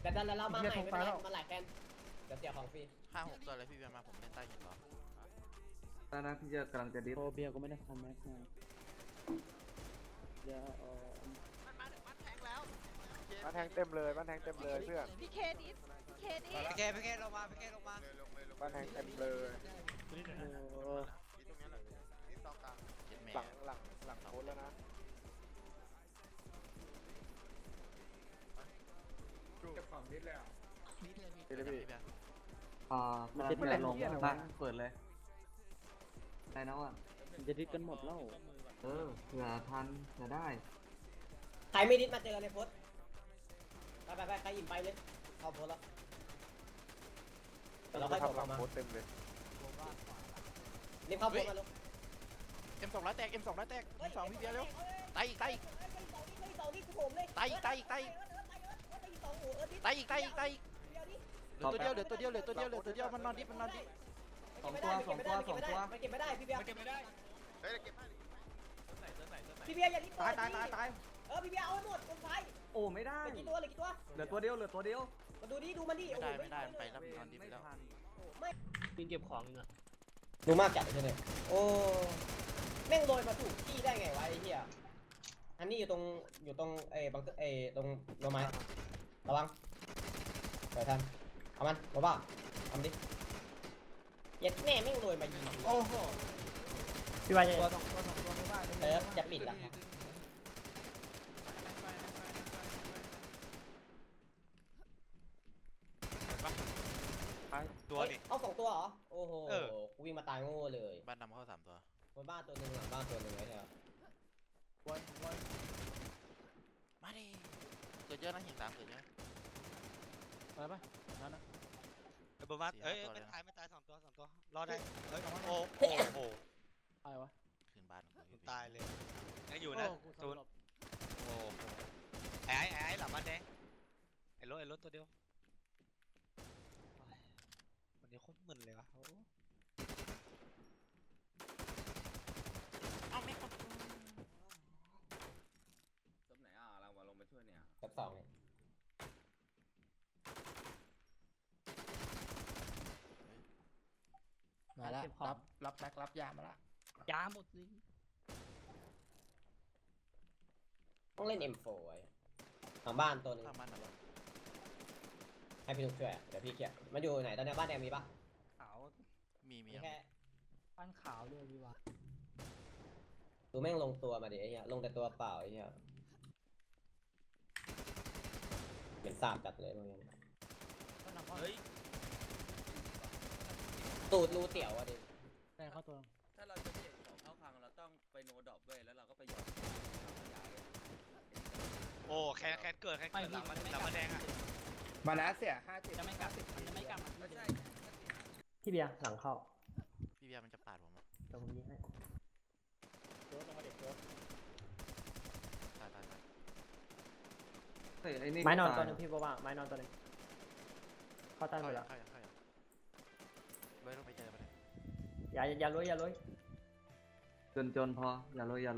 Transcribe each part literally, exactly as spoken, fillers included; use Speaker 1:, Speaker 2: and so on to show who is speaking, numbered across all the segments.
Speaker 1: แต่ดันแล้วเรามาใหม่ไม่เป็นไรมาหลายแคนเดี๋ยวเสียของฟรี
Speaker 2: ห้าหกตัวเลยพี่เบียร์มาผมเล่นใต้หินรอ
Speaker 3: ตอนนั้นพี่จะกำลังจะดิฟ
Speaker 4: โอเบียก็ไม่ได้ทำแม็กมาเดี๋ยวเออ
Speaker 2: มันมาถึงมันแทงแล้ว
Speaker 5: บ้านแทงเต็มเลยบ้านแทงเต็มเลยเพื่อน
Speaker 6: พี่เคดิสพี่เคดิส
Speaker 7: พี่เคพี่เคลงมาพี่เคลงมา
Speaker 5: บ้านแทงเต็มเลย
Speaker 4: โอ้
Speaker 2: นี่ตรงนี้แหละนี่ตอกลางเจ็ดเมต
Speaker 5: หลั
Speaker 2: รง
Speaker 5: หลังหลังโค้ดแล้วนะ
Speaker 8: เก็บของนิดเลยอ่ะ
Speaker 2: พี่เลยพี่พี่เบียร์
Speaker 3: อ่ากำลังจะลงมาเปิดเลยได้นะว่ะ
Speaker 4: จะดิดกันหมดแล้ว
Speaker 3: เออเผื่อทันเผื่อได้
Speaker 1: ใครไม่ดิสมาเจอในโพสไปไปไปใครอิ่มไปเลยเข้าโพสแล้วเราค่อยกด
Speaker 5: ทำหลั
Speaker 1: ออง กมา
Speaker 5: โค้ดเต็มเลย
Speaker 1: รีบเข้าโพสมาลูก
Speaker 2: เอ็มสองร้อยแตกเอ็มสองร้อยแตกเอ็มสองพี่เบียร์เร็วตายอีกตายอีก
Speaker 1: สองนี่กูผมเลย
Speaker 2: ตายอีกตายอีกตายอีกตายอีกตายอีกตายอีกเหลือตัวเดียวเหลือตัวเดียวเหลือตัวเดียวเหลือตัวเดียวมันนอนดิมันนอนดิ
Speaker 3: สองตัวสองตัวสองตัว
Speaker 1: มันเก็บไม่ได้พี่เบียร์
Speaker 8: เก็บไม่ได้
Speaker 2: เฮ้ยเก็บให้
Speaker 1: พี่เบียร์อย่ารีบ
Speaker 3: ตายตายตายตาย
Speaker 1: เออพี่เบียร์เอาให้หมดคนไฟ
Speaker 3: โอ้ไม่ได้
Speaker 1: เหลือกี่ตัวเหลือกี่ตัว
Speaker 3: เหลือตัวเดียวเหลือตัวเดียว
Speaker 1: มาดูดิดูมันดิ
Speaker 2: ไม่ได้ไม่ได้มันไปแล้วมันนอนดิไปแล้ว
Speaker 1: ไม่
Speaker 4: กินเก็บของนึงอ่ะ
Speaker 1: ดูมากจัดใช่ไหมโอ้แม่งโรยมาถูกที่ได้ไงวะไอ้เหี้ยอันนี้อยู่ตรงอยู่ตรงไอ้บังเกอร์ไอ้ตรงโรไม้ระวังเดี๋ยวทันเอามันบ้าบ้าทำดิยัดแม่แม่งโรยมายิงโอ้โห
Speaker 4: พี่วายจะ
Speaker 3: ตัวสองตัวสองตัวไม่ได้
Speaker 1: เออจะปิดละ
Speaker 7: ตัวนี่
Speaker 1: เอาสองตัวเหรอโอ้โหกูวิ่งมาตายโง่เลย
Speaker 2: บ้านดำเข้าสามตัว
Speaker 1: บนบ้านตัวหนึ่งหลังบ้านตัวหนึ่งไอ้เหี้ย
Speaker 3: วันวัน
Speaker 2: มาดิเกิดเยอะนะหินสามเกิดเยอะ
Speaker 4: ไปปะนั่นนะ
Speaker 7: เอ้ยบอมาเอ้ยไม่ตายไม่ตายสองตัวสองตัวรอดได้เฮ้ยโอ้โห
Speaker 4: อะไรวะ
Speaker 2: ขึ้นบ้าน
Speaker 7: ตายเลยยังอยู่นะตูนโอ้ไอ้ไอ้ไอ้หลับบ้านแดงไอ้รถไอ้รถตัวเดียววันนี้โคตรมึนเลยวะ
Speaker 2: เอาไม่คน
Speaker 8: จบไหนอ่ะเรามาลงไปช่วยเนี่ย
Speaker 1: กับสองเนี่ย
Speaker 4: มาแล้วรับรับแม็กรับยามาละยาหมดสิ
Speaker 1: ต้องเล่น เอ็ม โฟร์ ไว้หลังบ้านตัวหนึง
Speaker 2: ทำบ้านดำ
Speaker 1: ให้พี่ลูกช่วยอะเดี๋ยวพี่เคลียร์มันอยู่ไหนตอนนี้บ้านแดงมีปะ
Speaker 4: ขาว
Speaker 2: มีมี
Speaker 1: มีแค่
Speaker 4: ป้านขาวด้วยพี่วะ
Speaker 1: ดูแม่งลงตัวมาดิไอ้เหี้ยลงแต่ตัวเปล่าไอ้เหี้ยเหม็นสาบจัดเลยมึง
Speaker 7: เฮ้ย
Speaker 1: ตูดรูเตี๋ยวอะดิ
Speaker 4: ได้เข้าตัว
Speaker 8: ถ้าเราจะเก็บของเข้าพังเราต้องไปโนดรอปด้วยแล้วเราก็ไปหยอด
Speaker 7: โอ้แคนแคนเกิดแคนเกิดหลังมันหลังมันแดงอ่ะ
Speaker 5: มานะเสียห้าเจ็ด
Speaker 4: จะไม่กลับจะไม่กลับ
Speaker 8: ไม่ใช่
Speaker 4: พี่เบียร์หลังเข้า
Speaker 2: พี่เบียร์มันจะปาดผมอ่ะ
Speaker 4: เดี๋ยวผมยิงให้โจ๊กลงมาเด็กโจ๊ก
Speaker 2: ตายตายตาย
Speaker 3: เฮ้ยไอ้นี่
Speaker 4: ไม้นอนตัวนึงพี่บอกว่าไม้นอนตัวนึงเข้าใต้หม
Speaker 2: เข้า
Speaker 4: ด
Speaker 2: อย่า
Speaker 4: แล้ว
Speaker 2: เข้าอย่าเข้าอย่าเลยต้องไปเจอมาเลย
Speaker 4: อย่าอย่าลุยอย่าลุย
Speaker 3: จนจนพออย่าเลยอย่าเลย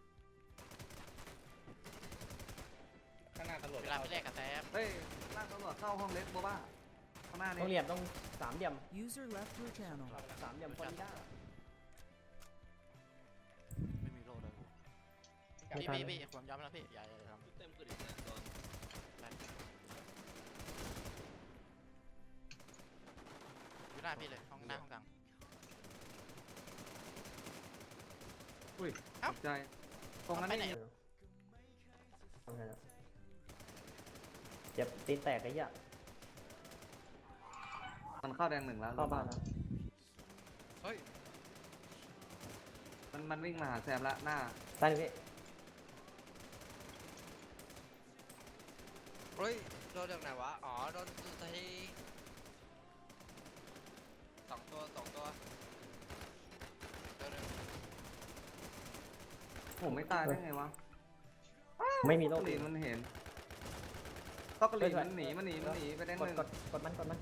Speaker 8: ข้างหน้าตำรวจ
Speaker 2: เวลาไปแลกกับแซม
Speaker 3: เฮ้ยล่างตำรวจเข้าห้องเล็กโบบ้าข้างหน้า
Speaker 4: ต้องเห
Speaker 3: นี่
Speaker 4: ลี่ยมต้องสามเหลี่ยม
Speaker 9: User left your channel.
Speaker 4: สามเหลี่ยมคนนี้ได้
Speaker 2: ไม่มีโล่เลยพี่พี่พี่ผมยอมแล้วพี่อย่าอย่าทำ
Speaker 8: เต็มกระดิ่งนะตอน
Speaker 2: อยู่หน้าพี่เลยห้องหน้าห้องกลาง
Speaker 3: อุ้ยตกใจตรงนั้นนี่
Speaker 4: ทำไงแล้วเจ็บตีนแตกไอ้เหี้ย
Speaker 3: มันเข้าแดงหนึ่งแล้ว
Speaker 4: เข้าบ้านแล้ว
Speaker 7: เฮ้ย
Speaker 3: มันมันวิ่งมาหาแซมละหน้า
Speaker 4: ใต้นี่พี่
Speaker 7: เฮ้ยโดนจากไหนวะอ๋อโดนทีสองตัวสองตัวเดี๋ยว
Speaker 3: ผมไม่ตายได้ไงวะ
Speaker 4: ไม่มีโร
Speaker 3: ต
Speaker 4: ค
Speaker 3: กลีนมันเห็นตอกลีนมันหนีมันหนีมันหนีไปแดง
Speaker 4: ก
Speaker 3: ห
Speaker 4: ด
Speaker 3: นึ่ง
Speaker 4: กดกดมันกดมัน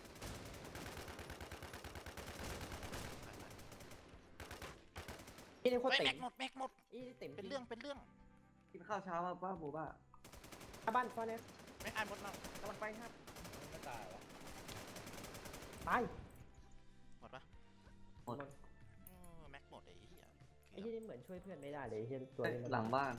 Speaker 4: นี่โคตร
Speaker 2: เฮ้ย
Speaker 4: ติ๋
Speaker 2: แม็
Speaker 4: ม
Speaker 2: กหมดแม็กหมด
Speaker 4: นี่ติ๋ม
Speaker 2: เป็นเรื่องเป็นเรื่อง
Speaker 3: กินข้าวเช้ามาป้าโบบ้า
Speaker 4: บ้านฟ้าเนี่ย
Speaker 2: ไม่อ่านหมดแล้ว
Speaker 4: กำลังไปครับ
Speaker 1: ไม่ตายวะ
Speaker 4: ตาย
Speaker 2: หมดปะ
Speaker 3: หมด
Speaker 2: เออแม็กหมดไอ้เหี้ย
Speaker 4: ไอ้ที่นี่เหมือนช่วยเพื่อนไม่ได้เลยไอ้ที่ตัว
Speaker 3: เอ้ย
Speaker 4: นี้มัน
Speaker 3: หลังบ้าน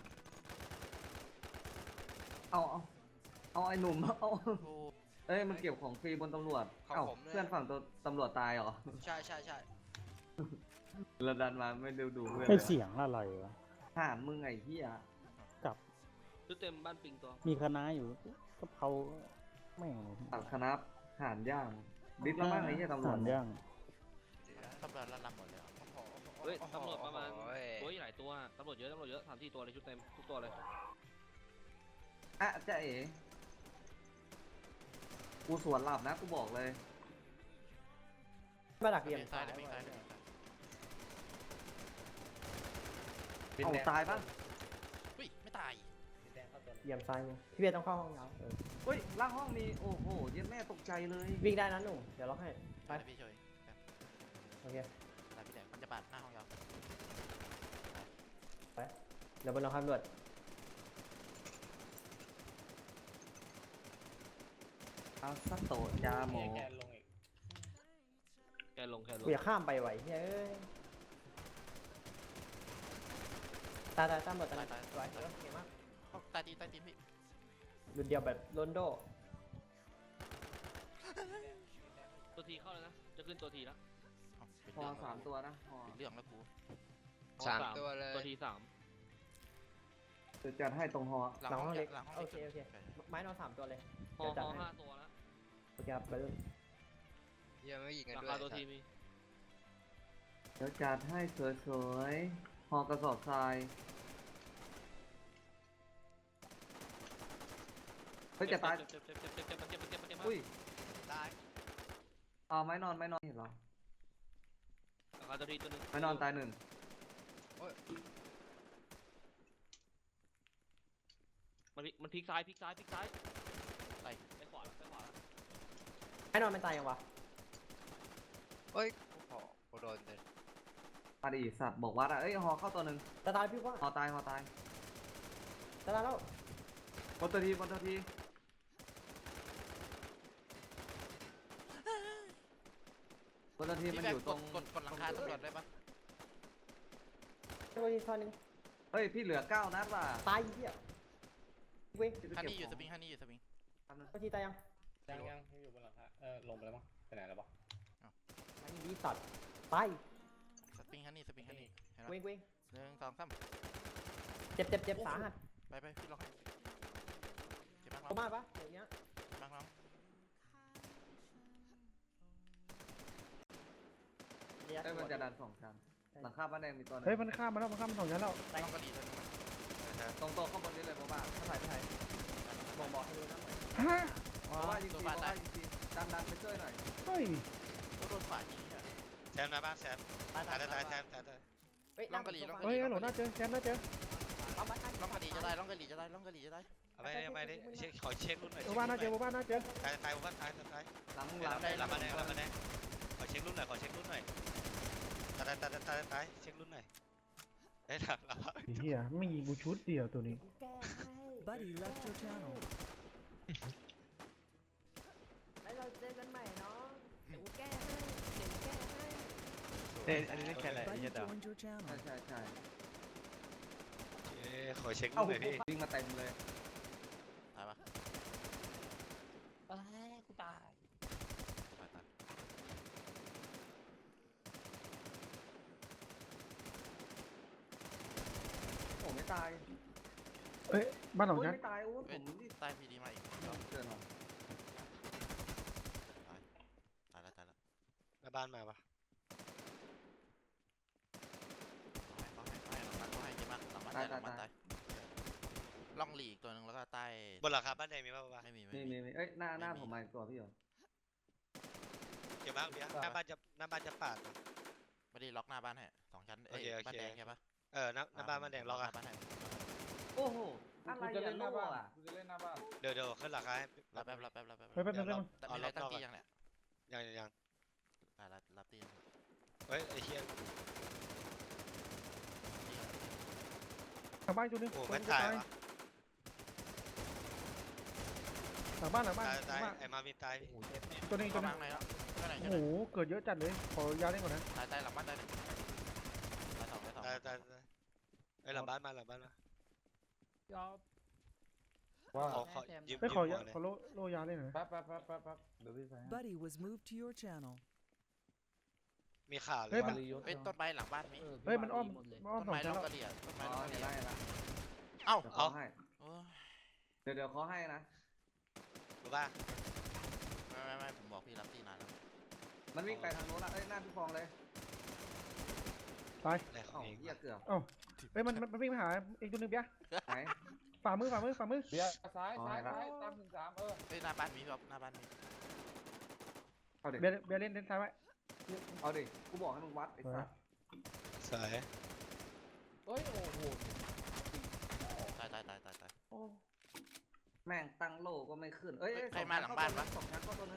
Speaker 3: เอาเอาเอาไอ้หนุ่มเอา
Speaker 2: โอ้
Speaker 3: เอ้ยมันเก็บของฟรีบนตำรวจ
Speaker 7: ของ
Speaker 3: เอ้า
Speaker 7: ผมด้วย
Speaker 3: เพื่อนฝั่งตัวตำรวจตายเหรอ
Speaker 7: ใช่ใช่ใช่
Speaker 3: เราดันมาไม่ดูดูเพื่อน
Speaker 9: ไอ
Speaker 3: เลย
Speaker 9: เสียงอะไรวะ
Speaker 3: ถามมึงไอ้เหี้ย
Speaker 8: ชุดเต็มบ้านปิงตัว
Speaker 9: มีคณะอยู่กะเพราแม่ง
Speaker 3: ตัดคณะหานย่างดิสแล้วมั้งไอ้เหี้ยตำรวจ
Speaker 9: หานย่าง
Speaker 2: ตำรวจระลำหมดเลยเหรอ
Speaker 8: เฮ้ยตำรวจประมาณ
Speaker 7: โอ้ย
Speaker 8: โอ้ยหลายตัวตำรวจเยอะตำรวจเยอะสามสี่ตัวเลยชุดเต็มทุกตัวเลย
Speaker 3: อ่ะเจ๊เอ๋กูสวนหลับนะกูบอกเลย
Speaker 4: มาดักเหลี่ยม
Speaker 2: ซ้า
Speaker 4: ซ้าย ย
Speaker 2: เลยปิงซ้ายเลย
Speaker 3: เอาตายปะ
Speaker 2: อุ้ยไม่ตาย
Speaker 1: สีแดงเข้าตัวหนึ่ง
Speaker 4: เหลี่ยมซ้ายเนี่ยพี่เบียร์ต้องเข้าห้องน้ำเออ
Speaker 3: เฮ้ยล่างห้องมีโอ้โหเย็นแม่ตกใจเลย
Speaker 4: วิ่งได้นะหนุ่มเดี๋ยวล็อกให้
Speaker 2: ไปพี่ช่วย
Speaker 4: โอเค
Speaker 2: ไปพี่แดงมันจะปาดหน้าห้องยาว
Speaker 4: เดี๋ยวบนเราคำรวจ
Speaker 3: เอาสักโตะยาหมอ
Speaker 1: แกนลงอีก
Speaker 8: แกลงแกลง
Speaker 4: กูอยากข้ามไปไหวเฮ้ยตายตายตามหมดตายตายสวยเออเก่งมาก
Speaker 2: เข้าใต้ตีนใต้ตีนพี่
Speaker 4: รุ่นเดียวแบบโรนโด
Speaker 8: ตัวทีเข้าแล้วนะจะขึ้นตัวทีแล้ว
Speaker 2: เอ้าเป็น
Speaker 3: พอ
Speaker 2: เรื่อง
Speaker 3: สามตัวนะพอ
Speaker 2: เป็นเรื่องแล้วกู
Speaker 7: สามตัวเลย
Speaker 8: ตัวทีสาม
Speaker 3: จะจัดให้ตรงหอ
Speaker 2: หลัง
Speaker 4: หลัง
Speaker 2: ห้
Speaker 4: ห้
Speaker 2: อ
Speaker 4: อง ง
Speaker 2: เล็
Speaker 4: เล็
Speaker 2: ก
Speaker 4: ก
Speaker 2: หลังห้อง
Speaker 4: โอ
Speaker 2: เล็ก
Speaker 4: เคโอเคไม้นอนสามตัวเลย
Speaker 8: พอ
Speaker 4: เดี๋ยว
Speaker 8: พ
Speaker 4: จัด
Speaker 8: อ
Speaker 4: ให้
Speaker 8: ห้าตัวแล้ว
Speaker 4: โอเคครับไปรุ่น
Speaker 7: ยังไม่ยิงกัน
Speaker 8: รา
Speaker 7: ด้วย
Speaker 8: คาตัวทีมี
Speaker 3: เดี๋ยวจัดให้สวยๆหอกระสอบทรายเฮ้ยจะตาย
Speaker 8: เจ็บเจ็บเจ็บเจ็บเจ็บเจ็บเจ็บเจ็บเจ็บ
Speaker 3: อุ้ย
Speaker 7: ตาย
Speaker 3: เอาไม้นอนไม้นอนเห็นเหรอ
Speaker 8: ราคาตัวทีตัวหนึง
Speaker 3: ไม้นอนตายหนึ่ง
Speaker 8: มันพลิกมันพลิกซ้ายพลิกซ้ายพลิกซ้าย
Speaker 2: ไป
Speaker 8: ไปขวาแล้วไปขวาแล้ว
Speaker 4: ไม้นอนมันตายยังวะ
Speaker 7: เฮ้ยโอ้โหโดนเลย
Speaker 3: มาดิสัตว์บอกว่าอะเอ้ยหอเข้าตัวหนึ่ง
Speaker 4: ตาตายพี่ว่า
Speaker 3: หอตายหอตาย
Speaker 4: ตาตายแล้ว
Speaker 3: บนตัวทีบนตัวทีบนตัวที
Speaker 2: พี่
Speaker 3: มัน
Speaker 2: แบ
Speaker 3: อง ยู่
Speaker 2: ก
Speaker 3: ตร
Speaker 2: ด
Speaker 3: ง
Speaker 2: กดกดหลังคาตำรวจได้ปะ
Speaker 4: ตัวนี้ตัวนึง
Speaker 3: เฮ้ยพี่เหลือเก้านัดว่ะ
Speaker 4: ตายเหี้ยเว้ย
Speaker 3: จะไป
Speaker 2: ฮัน
Speaker 3: เก็บ
Speaker 2: นี่อยู่
Speaker 3: ข
Speaker 2: ส
Speaker 3: อง
Speaker 2: ปริงฮันนี่อยู่สปริง
Speaker 4: ตัวทีตายยัง
Speaker 1: ยังยังอยู่บนหลังคาเออลงไปแล้วมั้งไปไหนแล้วปะ
Speaker 4: มันดีสัตว์ตาย
Speaker 2: สปริงฮันนี่สปริงฮันนี่เห็นไหม
Speaker 4: เว้งเว้ง
Speaker 2: หนึ่งสองสาม
Speaker 4: เจ็บเจ็บเจ็บสาหัส
Speaker 2: ไปไปพี่ล็อกให้เจ็บมาก
Speaker 4: เข้า
Speaker 2: น้อง
Speaker 4: มาปะเดี๋ยวนี้
Speaker 2: เจ็บมากน้อง
Speaker 3: เอ้ยมันจะดันสองชั้นหลังคาบ้านแดงมีตัวหนึง
Speaker 9: เฮ้ยมันข้ามมาแล้วมันข้ามมาสองชั้นแล้ว
Speaker 2: น้องก็ดีเลยนะ
Speaker 3: ตรงโต๊ะข้างบนนี้เลยบ้าบ้า
Speaker 4: ถ่ายถ่ายบอกบอกให้รู้นะ
Speaker 9: ฮะ
Speaker 3: บ้าบ้ายิงทีบ้าบ้ายิงทีดันดันไปช่วยหน่อย
Speaker 9: เฮ้ย
Speaker 2: โดนฝ่ายยิงอ่ะ
Speaker 7: แซมนะบ้านแซม
Speaker 4: ตาย
Speaker 7: ตายตายตายแซมตายตาย
Speaker 4: เฮ้ย
Speaker 2: ลองกะหรี่ลองกะห
Speaker 9: เฮ้
Speaker 2: รี่
Speaker 9: ยหลงน่าเจอแชมป์น่าเจอ
Speaker 4: เอามา
Speaker 2: ล่องกะหรี่จะได้ล่องกะหรี่จะได้ล่องกะหรี่จะได้
Speaker 7: เอาไปเอาไปดิเช็คขอเช็ครุ่นหน่อย
Speaker 9: หมู่บ้านน่าเจอหมู่บ้านน่าเจอ
Speaker 7: ตายตายหมู่บ้านตายตาย
Speaker 3: หลังมึง
Speaker 7: ห
Speaker 3: หลั
Speaker 7: ลั
Speaker 3: ง
Speaker 7: บได้หลับมาแดงหลับมาแดงขอเช็ครุ่นหน่อยขอเช็ครุ่นหน่อยตายตายตายตายตายเช็ครุ่นหน่อยได้หลับหลับ
Speaker 9: ไอ้เฮียไม่ยิงกูชุดเดียวตัวนี้
Speaker 4: Buddy left your channel แล้วเราเจอกันใหม่เนาะเดี๋ยวกูแก้ให้เดี๋ยวกูแก้ให้
Speaker 7: เอ้ยอันนี้ได้แค่ไหนยี่ดาว
Speaker 3: ใช่ใช่ใช่
Speaker 7: เอ้ขอเช็ครุ่นหน่อยพี่
Speaker 3: วิ่งมาเต็มเลย
Speaker 2: ตายปะ
Speaker 4: เอ้ยกูตาย
Speaker 2: ตายตาย
Speaker 3: โอ้ไม่ตาย
Speaker 9: เอ้ยบ้านสอง
Speaker 3: โอ้ย
Speaker 9: ชั้น
Speaker 3: ไม่ตายโอ้ยผ
Speaker 2: เอ้ย
Speaker 3: มนี่
Speaker 2: ใต้พีดีมาอีก
Speaker 3: เกินหรอ
Speaker 2: ตายแล้วตายแล้ว
Speaker 7: หน้าบ้านมาปะ
Speaker 2: เขาให้เขาให้เขาให้หลังบ้านเขาให้เจ็บมากหลังบ้านตายหลังบ้านตายล่องหลีกตัวหนึ่งแล้วก็ใต้
Speaker 7: บนหลังคาบ้านแดงมีป่ะปะ
Speaker 2: ไม่มี
Speaker 3: มี
Speaker 2: ไม่
Speaker 3: มี
Speaker 2: มี
Speaker 3: มีเอ้ยหน้าหน้าผมมาอีกตัวพี่เหรอ
Speaker 7: เกี่ยวมากเบียร์หน้าบ้านจะหน้าบ้านจะปาด
Speaker 2: ไม่ได้ล็อกหน้าบ้านให้สองชั้นเอ้ย
Speaker 7: โอเคโอเค
Speaker 2: บ้านแดงใช่ปะ
Speaker 7: เออหน้าหน้าบ้านบ้านแดงล็อกอะ
Speaker 2: บ้านให้
Speaker 3: โอ้โหอะไรอ่ะโล่อะ
Speaker 7: เดี๋ยวเดี๋ยวขึ้นหลังคาให้
Speaker 2: รับแป๊บรับแป๊บรับแป๊บ
Speaker 9: เฮ้ยแป๊บนึงแป๊บนึง
Speaker 2: แต่มีอะไรตั้งตียังเนี่ย
Speaker 7: ยังยังยัง
Speaker 2: อ่ารับรับตียัง
Speaker 7: เฮ้ยไอ้เหี้ย
Speaker 9: ทางบ้านตัวนึง
Speaker 7: โอ้
Speaker 9: ตัว
Speaker 7: ไม่
Speaker 9: นึงจะ
Speaker 7: ตาย
Speaker 9: ตายว
Speaker 7: ะ
Speaker 9: ลังบ้านหลังบ้าน
Speaker 7: ตาย
Speaker 9: หลั
Speaker 7: ตาง ย
Speaker 9: บ้าน
Speaker 7: ไอ้มาวินตาย
Speaker 9: ตัวนี้
Speaker 2: ตั
Speaker 9: ตัว ว
Speaker 2: นั้
Speaker 9: นึ
Speaker 2: ง
Speaker 9: ง
Speaker 2: ไหนแล้วตัวไหน
Speaker 9: โอ้โหเกิดเยอะจัดเลยขอยาเล่นก่อนนะ
Speaker 2: ตายตายหลังบ้านตายหนึ่งตายสองตายสอง
Speaker 7: ตายตายตายไอ้หลังบ้านมาหลังบ้านมา
Speaker 5: ว่า
Speaker 7: ขอขอยืม
Speaker 9: ไม่
Speaker 7: ยืม
Speaker 9: ขอ
Speaker 7: หั
Speaker 9: ยาว
Speaker 7: หน่อย
Speaker 9: ขอโลโลยาเล่นหน่อยนะ
Speaker 5: แป๊บแป๊บแป๊บแป๊บแป๊บเดี๋ยวพี่ใส่ให้
Speaker 10: Buddy was moved to your channel.
Speaker 7: มีข่าวเล
Speaker 9: เฮ้
Speaker 7: ย
Speaker 9: ยมัน
Speaker 2: เฮ้ยต้นไม้หลังบ้านมี
Speaker 9: เฮ้ยมันอ้อมมันอ้อม
Speaker 2: ต้น
Speaker 9: สอง
Speaker 2: ไม้
Speaker 9: ชั้
Speaker 2: ล็
Speaker 9: น
Speaker 2: อก
Speaker 9: แล้ว
Speaker 2: กระเดียดต้นไม้
Speaker 3: อ๋
Speaker 2: ล็
Speaker 3: อ
Speaker 2: อกกระ
Speaker 3: เดี๋
Speaker 2: เดี
Speaker 3: ยวย
Speaker 2: ด
Speaker 3: ได้ละ
Speaker 2: เอ้า
Speaker 3: เดี๋ยวเขาให้
Speaker 2: โอ้ย
Speaker 3: เดี๋ยวเดี๋ยวเขาให้นะ
Speaker 7: รู้ป่ะ
Speaker 2: ไม่ไม่ไม่ผมบอกพี่รับที่นานแล้ว
Speaker 3: มันวิ่งไปทางโน้นละเอ้ยหน้าพี่ฟองเลย
Speaker 9: ตาย
Speaker 7: อะไรขอ
Speaker 3: เอ้าง
Speaker 7: เอง
Speaker 3: เหี้ยเกือบ
Speaker 9: เอ้าเฮ้ยมันมันมันวิ่งมาหาอีกตัวหนึงเปีย
Speaker 3: ไหน
Speaker 9: ฝ่ามือฝ่ามือฝ่ามือ
Speaker 5: เดี๋ยวซ้าย
Speaker 3: อ๋อ
Speaker 5: ซ้าย
Speaker 3: เห็นละ
Speaker 5: ซ้ายตามถึงสามเออ
Speaker 2: เฮ้ยหน้าบ้านมีครับหน้าบ้านมี
Speaker 3: เอาดิ
Speaker 9: เบียร์เบียร์เล่นเล่นซ้ายไว้
Speaker 3: เอาดิกูบอกให้มึงวัดไอ้สัส
Speaker 7: สวย
Speaker 5: เฮ้ยโอ้โห
Speaker 2: ตายตายตายตายตาย
Speaker 3: แม่งตั้งโลก็ไม่ขึ้นเอ้ย
Speaker 2: ใครมาหลังบ้านวะ
Speaker 3: สองชั้นก็ตัวนึง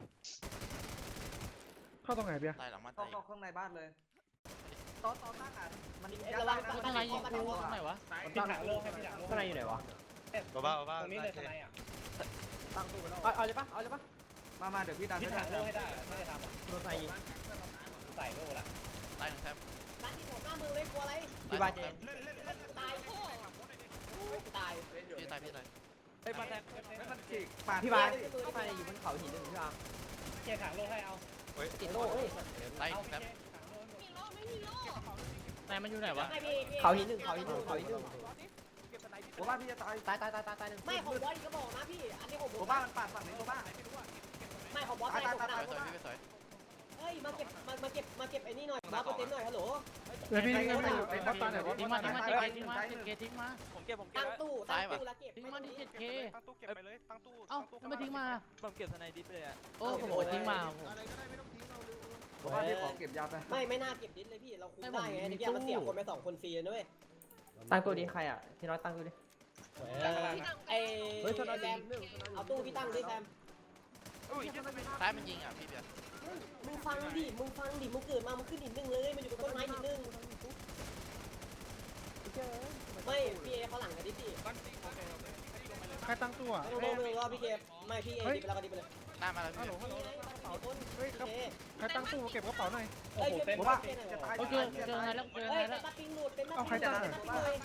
Speaker 9: เข้าตรงไหนเบียร์
Speaker 2: ตายหลังบ้าน
Speaker 3: ต้อ
Speaker 2: ตาง ย
Speaker 3: เข้าข้างในบ้านเลยตอนตอนตั้งอ่ะมัน
Speaker 1: เอ้ย
Speaker 3: ยัด
Speaker 1: ระวัง
Speaker 3: ได้นะ
Speaker 1: ข้างในยิงกู
Speaker 2: ตรงไหนวะ
Speaker 4: พี่ถังโลให้พี่ถังโลข้างในอยู่ไหนวะ
Speaker 7: บ้าบ้าบ้า
Speaker 4: ตรงนี้เลยข้างในอ่ะ
Speaker 3: ตั้งตู้ไว้แล้ว
Speaker 4: เอาเอาเลยปะเอาเลยปะ
Speaker 3: มามาเดี๋ยวพี่ดัน
Speaker 4: พี่
Speaker 3: ให้
Speaker 4: ถังโล
Speaker 3: ได้
Speaker 4: ให้ได้ไม่ได้ทำอ่ะโดนใส่ยิงใส่โลละ
Speaker 2: ตายหนึ่งแทบ
Speaker 1: ร้านที่ผมหน้ามือเลยกลัวอะไร
Speaker 4: พี่บาเจ
Speaker 1: ตายตาย
Speaker 2: พี่ตายพี่ตาย
Speaker 3: เฮ้ยมาแทงไม่มันฉีกปาด
Speaker 4: พี่บาเข้าไปอยู่บนเขาหินหนึ่งพี่บาเจถังโลให้เอา
Speaker 1: ติดโล่เฮ้ย
Speaker 2: ตายอีกแทบ
Speaker 6: มีโล่ไม่มีโล่
Speaker 2: นายมันอยู่ไหนวะ
Speaker 1: ไม่พี่พี่
Speaker 4: เขาหินหนึ่งเขาหินหนึ่งเขาหินหนึ่ง
Speaker 3: ผมว่าพี่จะตาย
Speaker 4: ตายตายตายตายตายหนึ่ง
Speaker 1: ไม่ของบอสอีกก็บอกนะพี่ อันนี้ของผ
Speaker 3: ผม
Speaker 1: ม
Speaker 3: ว่ามันปาดฝั่งนี้ผมว่า
Speaker 1: ไม่ของบอส
Speaker 3: ตา
Speaker 1: ตาย ย
Speaker 3: ตาย
Speaker 1: ผม
Speaker 3: ตาย
Speaker 1: นะ
Speaker 3: ตาย
Speaker 2: สวยพี่สวย
Speaker 1: เฮ้ยมาเก็บมามาเก็บมาเก็บไอ้นี่หน่อยบอสตัวเต็มหน่อยฮัลโหล
Speaker 9: เดี๋ยวพี่พี่พี่ไอ้บอสตาไหนวะ
Speaker 2: ทิ้งมาทิ้งมาเจ็ดเกทิ้งมาเจ็ดเกทิ้งมา
Speaker 8: ผมเก็บผมเก็
Speaker 1: ตั้
Speaker 8: บ
Speaker 1: งตู้ตั้งตู้แล้วเก็บ
Speaker 2: ทิ้งมาที่เจ็ดเค
Speaker 8: ตั้งตู้เก็บไปเลยตั้งตู้
Speaker 2: เอ้าทำไมทิ้งมา
Speaker 8: ผมเก็บสไนดิฟเลยอ่ะ
Speaker 2: โอ้โหทิ้งมา
Speaker 3: ผมว่าพี่ขอเก็บยาไป
Speaker 1: ไม่ไม่น่าเก็บดิสเลยพี่เราคุมได้ไงนี่พี่มันเสียคนไปสองคนฟรีนะเว้ย
Speaker 4: ตั้งตัวนี้ใครอ่ะพี่น้อยตั้งตัวนี้
Speaker 1: ไอ้ไอ้แซมเอาตู้พี่ตั้งดิแซม
Speaker 2: ซ้ายมันยิงอ่ะพี่เบียร์
Speaker 1: มึงฟังดิมึงฟังดิมึงเกิดมามึงขึ้นหินหนึ่งเลยมันอยู่บนต้นไม้หินหนึ่งไม่พี่เอเขาหลังกันดิพี่
Speaker 9: ใครตั้งตัว
Speaker 1: ไม่ต้องไม่ต้องรอพี่เคไม่พี่เอดิไปแล้วก็ดิไปเลย
Speaker 2: หน้ามาแล้วพี่
Speaker 1: นี่ไงมีคน
Speaker 9: เฮ้ยครับใครตั้งตู้เก็บกระเป๋าหน่อย
Speaker 1: เฮ้ยเก็บ
Speaker 3: ผม
Speaker 1: ว่า
Speaker 3: ว่าจะตาย
Speaker 2: โอเคเจอไงแล้วเจอ
Speaker 1: เฮ้
Speaker 2: ไง
Speaker 1: ย
Speaker 2: แล้ว
Speaker 1: เป็นตาปิงหลุดเป็นตาปิงหลุดเป็นตาปิงเลย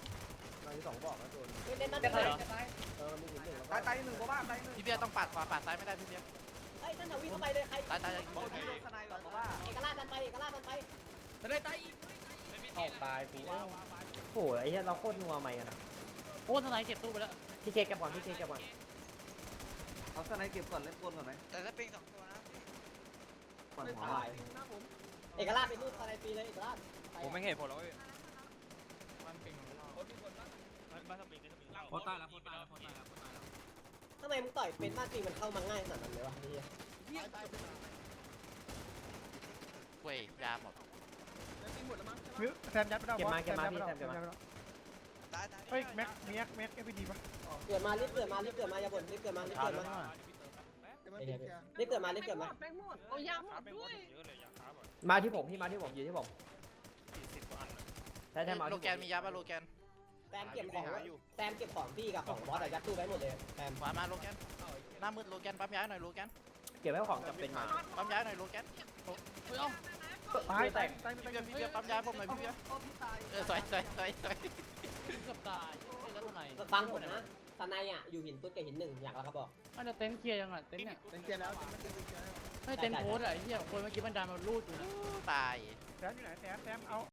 Speaker 1: เป็นตาปิงเลย
Speaker 3: ตายตายหนึ่งผมว่าตายหนึ่ง
Speaker 2: พี่เบียร์ต้องปาดขวาปาดซ้ายไม่ได้พี่เบียร์
Speaker 1: เฮ้ยนั่นทวีเข้าไปเลยใคร
Speaker 2: ตายตาย
Speaker 3: ผมว่าพี่ลงสไนด์ก่อนผมว่า
Speaker 1: เอกราชดันไปเอกราชดันไป
Speaker 4: ออกตายกูโอ้โหไอ้เหี้ยเราโคตรนัวใหม่กันนะ
Speaker 2: โอ้ทนายเก็บตู้ไปแล้ว
Speaker 4: พี่เคแกบก่อนพี่เคแกบก่อน
Speaker 3: เอาสไนด์เก็บก่อนเล่นกลก่อนไหม
Speaker 7: แต่ถ้าปิงสองตัวนะ
Speaker 3: ก่อนหัว
Speaker 1: ตายเอกราชเป็นรูปอะไรปีเลยเอกราช
Speaker 8: ผมไม่เห็นผมแล้ว
Speaker 5: โคตรตายแล้วโคตรตายแล้วโคตรตายแล้วโคตรตายแล้ว
Speaker 1: ทำไมมึงต่อยเป็นมากจริงมันเข้ามาง่ายขนาดนั้นเลยวะนี่
Speaker 2: เว้ยยาหมด
Speaker 9: แซมยัดไปแล้ว
Speaker 4: เก็บมาเก็บมาพี่แซมเก็บมา
Speaker 7: ตายตาย
Speaker 9: เฮ้ยแม็กแม็กแม็กเอฟพีดีป่ะ
Speaker 1: เกิดมารีบเกิดมารีบเกิดมาอย่าบ่นรีบเกิดมารีบเกิดมารีบเกิดมารีบเกิดมา
Speaker 6: แบงค์หมดโอ้ยาหมดด้วย
Speaker 4: มาที่ผมพี่มาที่ผมอยู่ที่ผมใช่ใช่มา
Speaker 2: โล
Speaker 4: ที่
Speaker 2: แกนมียาป่ะโลแกน
Speaker 1: แซมเก็บของแซมเก็บของพี่กับของบอสอะยัดตู้ไว้หมดเลยแซม
Speaker 2: ขวามาโลแกนหน้ามืดโลแกนปั๊มย้ายหน่อยโลแกน
Speaker 4: เก็บไว้ของจำเป็นมา
Speaker 2: ปั๊มย้ายหน่อยโลแกนเฮ้ยเอ้า
Speaker 9: ตายแตกตาย
Speaker 2: พี่
Speaker 9: ตาย
Speaker 2: เบียร์พี่เบียร์ปั๊มย้ายผมหน่อยพี่เบียร์เออสวยสวยสวยสวยเกือบตายแล้วทำไม
Speaker 1: ฟังผมนะสนายอ่ะอยู่หินตุ๊ดกับหินหนึ่งอยากแล้วครับบอก
Speaker 2: มันจะเต็นท์เคลียร์ยังอ่ะเต็นท์เนี่ย
Speaker 5: เป็นเกียร์แล้วเป็นเกียร์แล้ว
Speaker 2: ไม่เต็นท์โพสอ่ะไอ้เหี้ยคนเมื่อกี้มันดันมาลูดอยู่นะตาย
Speaker 9: แซมอยู่ไหนแซมแซมเอา